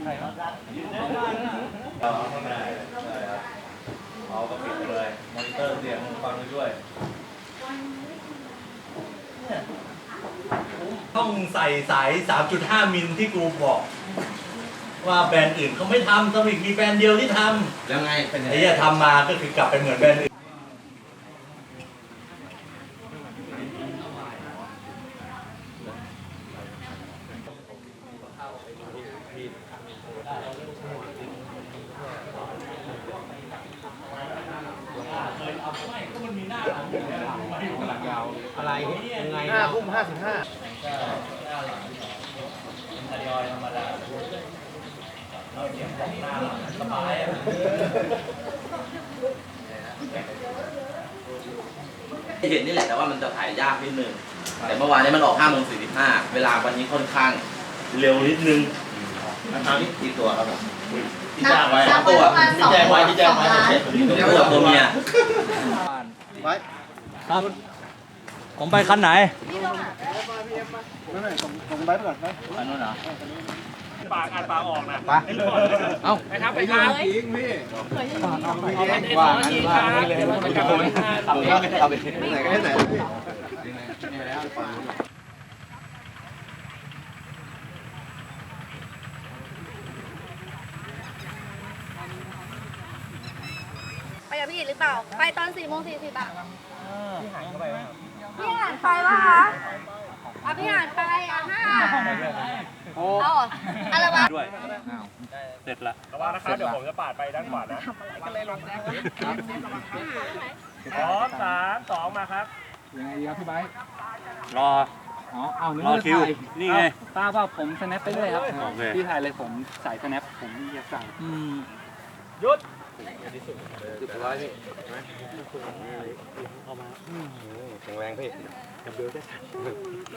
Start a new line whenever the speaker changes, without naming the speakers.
เอาข้างในใช่ครับเอาก็ปิดไปเลยมอนิเตอร์เสียงฟังไปด้วยต้องใส่สาย 3.5 มิลที่กูบอกว่าแบรนด์อื่นเขาไม่ทำสวิกมีแบรนด์เดียวที่ทำ
แล้วไงเป็น
ไอ้ที่ทำมาก็คือกลับไปเหมือนแบรนด์อื่น
อะไรยังไง5 ทุ่ม 55
ทยอยธรรมดาเราเสียงของหน้าสบาย
เห็นนี่แหละแต่ว่ามันจะถ่ายยากนิดนึงแต่เมื่อวานนี้มันออก5:45เวลาวันนี้ค่อนข้างเร็วนิดนึงนะครับนี่กี่ตัวครับผมที่จ้างไว้2 ตัวที่แจ้งไว้ตัวเมีย
ครับผมไปคันไหน
นั่นแหละส่งไปก่อนไป
คันนู้นเหรอ
ปากอ่านปากออกนะ
ไปเอ้า
ไปครับไปครับ
จริงพี่
ว่างั้นว่าเลยมันกลับไป
เอาไปไหนก็ได้ไหนพี่
ไปกับพี่หรือเปล่า ไปตอน4:40อ่ะพี่หานเข้าไปป่ะพี่หานไปป่ะคะพี่หานไปเอาอะไรวะ
ด้วยเสร็จละ
ระวังนะครับเดี๋ยวผมจะปาดไปด้านขวานะพร้อม3 2มาครับ
ยังไงดีครับพี่ไบค์
รอรอคิวนี่ไง
ป้าว่าผมสแนปไปเลยครับ
โอเค
พี่ถ่ายเลยผมสายสแนปผมอยากสั่ง
หยุด
100พี่แข็งแรงพี่